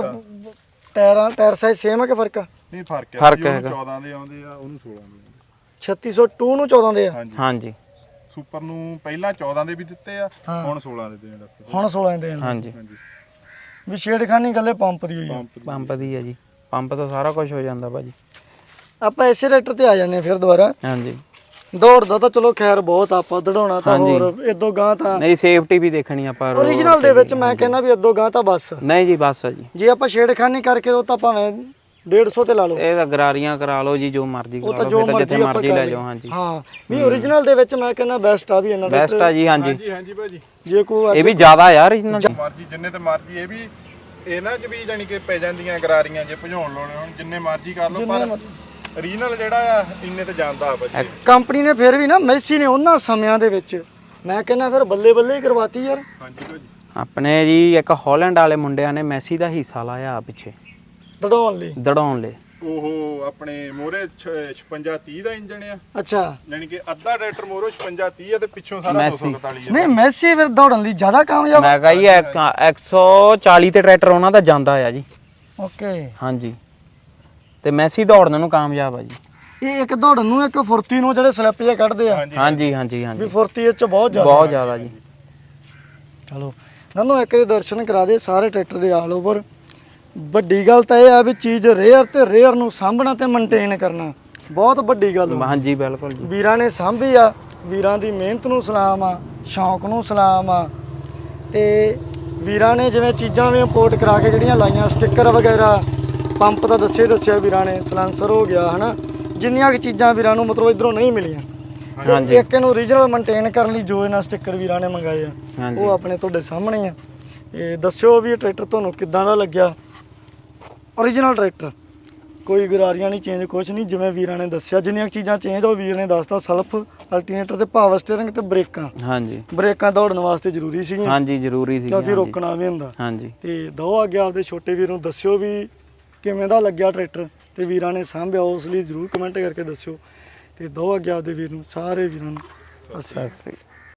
A: ਟਾਇਰਾਂ ਟਾਇਰ ਸਾਈਜ਼ ਸੇਮ ਆ ਕਿ ਫਰਕ ਆ?
C: ਨਹੀਂ ਫਰਕ ਹੈ।
B: ਫਰਕ ਹੈਗਾ।
C: ਚੌਦਾਂ ਦੇ ਆਉਂਦੇ ਆ ਉਹਨੂੰ ਸੋਲਾਂ ਦੇ ਆਉਂਦੇ
A: ਛੱਤੀ ਸੌ ਦੋ ਨੂੰ ਚੌਦਾਂ ਦੇ ਆ।
C: ਹਾਂਜੀ
B: ਹਾਂਜੀ
C: ਸੁਪਰ ਨੂੰ ਪਹਿਲਾਂ ਚੌਦਾਂ ਦੇ ਵੀ ਦਿੱਤੇ ਆ ਹੁਣ ਸੋਲਾਂ ਦੇ ਦੇਣ ਲੱਗੇ।
A: ਹੁਣ ਸੋਲਾਂ ਦੇ ਆ।
B: ਹਾਂਜੀ
C: ਹਾਂਜੀ
A: ਵੀ ਛੇੜਖਾਨੀ ਗੱਲੇ ਪੰਪ ਦੀ ਹੋਈ ਆ।
C: ਪੰਪ ਦੀ।
B: ਪੰਪ ਦੀ ਹੈ ਜੀ। ਪੰਪ ਤੋਂ ਸਾਰਾ ਕੁਝ ਹੋ ਜਾਂਦਾ ਭਾਜੀ।
A: ਆਪਾਂ ਇਸੇ ਰੈਕਟਰ ਤੇ ਆ ਜਾਂਦੇ ਆ ਫਿਰ ਦੁਬਾਰਾ।
B: ਹਾਂਜੀ
A: ਦੌੜਦਾ ਤਾਂ ਚਲੋ ਖੈਰ ਬਹੁਤ ਆਪਾਂ ਦੜਾਉਣਾ ਤਾਂ ਹੋਰ ਇਦੋਂ ਗਾਂ ਤਾਂ
B: ਨਹੀਂ ਸੇਫਟੀ ਵੀ ਦੇਖਣੀ ਆਪਾਂ।
A: ਓਰੀਜਨਲ ਦੇ ਵਿੱਚ ਮੈਂ ਕਹਿੰਦਾ ਵੀ ਇਦੋਂ ਗਾਂ ਤਾਂ ਬਸ
B: ਨਹੀਂ ਜੀ ਬਸ ਆ ਜੀ।
A: ਜੇ ਆਪਾਂ ਛੇੜਖਾਨੀ ਕਰਕੇ ਉਹ ਤਾਂ ਭਾਵੇਂ ਡੇਢ ਸੌ ਤੇ ਲਾ ਲਓ।
B: ਇਹ ਤਾਂ ਗਰਾਰੀਆਂ ਕਰਾ ਲਓ ਜੀ ਜੋ ਮਰਜ਼ੀ
A: ਉਹ
B: ਕਰਾ
A: ਤਾਂ
B: ਲਓ
A: ਜੋ
B: ਫਿਰ ਤਾਂ ਜਿੱਥੇ
A: ਮਰਜ਼ੀ ਆਪਾਂ
B: ਮਰਜ਼ੀ
A: ਕਰ
B: ਲੈ
A: ਲਈਏ।
B: ਜਾਓ। ਹਾਂਜੀ
A: ਹਾਂ ਵੀ ਓਰੀਜਨਲ ਦੇ ਵਿੱਚ ਮੈਂ ਕਹਿੰਦਾ ਬੈਸਟ ਆ ਵੀ ਇਹਨਾਂ ਦਾ
B: ਬੈਸਟ ਆ ਜੀ। ਹਾਂਜੀ
C: ਹਾਂਜੀ ਹਾਂਜੀ ਭਾਜੀ
A: ਜੇ ਕੋਈ
B: ਇਹ ਵੀ ਜ਼ਿਆਦਾ ਯਾਰ original
C: ਮਰਜੀ ਜਿੰਨੇ ਤੇ ਮਰਜੀ ਇਹ ਵੀ ਇਹਨਾਂ 'ਚ ਵੀ ਜਾਨੀ ਕਿ ਪੈ ਜਾਂਦੀਆਂ ਗਰਾਰੀਆਂ ਜੇ ਭਜਾਉਣ ਲਾਉਣੇ ਹੁਣ ਜਿੰਨੇ ਮਰਜੀ ਕਰ ਲਓ ਪਰ ਓਰੀਜਨਲ ਜਿਹੜਾ ਆ ਇੰਨੇ ਤੇ ਜਾਂਦਾ ਆ ਭਾਜੀ।
A: ਕੰਪਨੀ ਨੇ ਫਿਰ ਵੀ ਨਾ ਮੈਸੀ ਨੇ ਉਹਨਾਂ ਸਮਿਆਂ ਦੇ ਵਿੱਚ ਮੈਂ ਕਹਿੰਦਾ ਫਿਰ ਬੱਲੇ ਬੱਲੇ ਹੀ ਕਰਵਾਤੀ ਯਾਰ।
C: ਹਾਂਜੀ ਭਾਜੀ
B: ਆਪਣੇ ਜੀ ਇੱਕ ਹਾਲੈਂਡ ਵਾਲੇ ਮੁੰਡਿਆਂ ਨੇ ਮੈਸੀ ਦਾ ਹਿੱਸਾ ਲਾਇਆ ਪਿੱਛੇ
A: ਦੜਾਉਣ ਲਈ
B: ਦੜਾਉਣ ਲਈ।
C: ਉਹ ਆਪਣੇ ਮੋਰੇ ਛਪੰਜਾ ਤੀਹ ਦਾ ਇੰਜਣ ਆ।
A: ਅੱਛਾ
C: ਯਾਨੀ ਕਿ ਅੱਧਾ ਟਰੈਕਟਰ ਮੋਰੋ ਛਪੰਜਾ ਤੀਹ ਆ ਤੇ ਪਿੱਛੋਂ ਸਾਰਾ ਦੋ ਸੌ ਇਕਤਾਲੀ ਆ।
A: ਨਹੀਂ ਮੈਸੀ ਫਿਰ ਦੌੜਨ ਲਈ ਜ਼ਿਆਦਾ ਕਾਮਯਾਬ।
B: ਮੈਂ ਕਹਾਂ ਜੀ ਇੱਕ ਸੌ ਚਾਲੀ ਤੇ ਟਰੈਕਟਰ ਉਹਨਾਂ ਦਾ ਜਾਂਦਾ ਆ ਜੀ।
A: ਓਕੇ
B: ਹਾਂਜੀ ਤੇ ਮੈਸੀ ਦੌੜਨ ਨੂੰ ਕਾਮਯਾਬ ਆ ਜੀ।
A: ਇਹ ਇੱਕ ਦੌੜਨ ਨੂੰ ਇੱਕ ਫੁਰਤੀ ਨੂੰ ਜਿਹੜੇ ਸਲਿੱਪ ਜੇ ਕੱਢਦੇ ਆ
B: ਹਾਂਜੀ ਹਾਂਜੀ
A: ਵੀ
B: ਹਾਂਜੀ
A: ਫੁਰਤੀ ਇਹ ਚ ਬਹੁਤ ਜ਼ਿਆਦਾ
B: ਬਹੁਤ ਜ਼ਿਆਦਾ ਜੀ।
A: ਚਲੋ ਨਾਨੂੰ ਇੱਕ ਵਾਰੀ ਦਰਸ਼ਨ ਕਰਾ ਦੇ ਸਾਰੇ ਟਰੈਕਟਰ ਦੇ ਆਲ ਓਵਰ। ਵੱਡੀ ਗੱਲ ਤਾਂ ਇਹ ਆ ਵੀ ਚੀਜ਼ ਰੇਅਰ ਤੇ ਰੇਅਰ ਨੂੰ ਸਾਂਭਣਾ ਤੇ ਮੇਨਟੇਨ ਕਰਨਾ ਬਹੁਤ ਵੱਡੀ ਗੱਲ ਆ।
B: ਹਾਂਜੀ ਬਿਲਕੁਲ ਜੀ।
A: ਵੀਰਾਂ ਨੇ ਸਾਂਭੀ ਆ, ਵੀਰਾਂ ਦੀ ਮਿਹਨਤ ਨੂੰ ਸਲਾਮ ਆ, ਸ਼ੌਂਕ ਨੂੰ ਸਲਾਮ ਆ। ਤੇ ਵੀਰਾਂ ਨੇ ਜਿਵੇਂ ਚੀਜ਼ਾਂ ਵੀ ਇੰਪੋਰਟ ਕਰਾ ਕੇ ਜਿਹੜੀਆਂ ਲਾਈਆਂ ਸਟicker ਵਗੈਰਾ ਪੰਪ ਤਾਂ ਦੱਸੇ ਦੱਸਿਆ ਵੀਰਾਂ ਨੇ ਸਲੈਂਸਰ ਹੋ ਗਿਆ ਹਨਾ ਜਿੰਨੀਆਂ ਕਿ ਚੀਜ਼ਾਂ ਵੀਰਾਂ ਨੂੰ ਮਤਲਬ ਇਧਰੋਂ ਨਹੀਂ ਮਿਲੀਆਂ।
B: ਹਾਂਜੀ
A: ਇੱਕ ਇਹਨੂੰ ਓਰੀਜਨਲ ਮੇਨਟੇਨ ਕਰਨ ਲਈ ਜੋ ਇਹਨਾਂ ਸਟicker ਵੀਰਾਂ ਨੇ ਮੰਗਾਏ ਆ
B: ਹਾਂਜੀ
A: ਉਹ ਆਪਣੇ ਤੁਹਾਡੇ ਸਾਹਮਣੇ ਆ। ਇਹ ਦੱਸਿਓ ਵੀ ਇਹ ਟਰੈਕਟਰ ਤੁਹਾਨੂੰ ਕਿੱਦਾਂ ਦਾ ਲੱਗਿਆ। ਓਰੀਜਨਲ ਟਰੈਕਟਰ ਕੋਈ ਗਰਾਰੀਆਂ ਨਹੀਂ ਚੇਂਜ ਕੁਛ ਨਹੀਂ ਜਿਵੇਂ ਵੀਰਾਂ ਨੇ ਦੱਸਿਆ ਜਿੰਨੀਆਂ ਚੀਜ਼ਾਂ ਚੇਂਜ ਉਹ ਵੀਰ ਨੇ ਦੱਸਤਾ ਸਲਫ ਅਲਟਰਨੇਟਰ ਤੇ ਪਾਵਰ ਸਟੀਅਰਿੰਗ ਤੇ ਬ੍ਰੇਕਾਂ।
B: ਹਾਂਜੀ
A: ਬ੍ਰੇਕਾਂ ਦੌੜਨ ਵਾਸਤੇ ਜ਼ਰੂਰੀ ਸੀਗੀਆਂ
B: ਹਾਂਜੀ ਜ਼ਰੂਰੀ ਸੀ।
A: ਕਿਉਂਕਿ ਰੋਕਣਾ ਵੀ ਹੁੰਦਾ।
B: ਹਾਂਜੀ
A: ਤੇ ਦੋ ਅੱਗੇ ਆਪਦੇ ਛੋਟੇ ਵੀਰ ਨੂੰ ਦੱਸਿਓ ਵੀ ਕਿਵੇਂ ਦਾ ਲੱਗਿਆ ਟਰੈਕਟਰ ਤੇ ਵੀਰਾਂ ਨੇ ਸਾਂਭਿਆ ਉਸ ਲਈ ਜ਼ਰੂਰ ਕਮੈਂਟ ਕਰਕੇ ਦੱਸਿਓ ਤੇ ਦੋ ਅੱਗੇ ਆਪਦੇ ਵੀਰ ਨੂੰ ਸਾਰੇ ਵੀਰਾਂ ਨੂੰ
B: ਸਤਿ ਸ੍ਰੀ ਅਕਾਲ।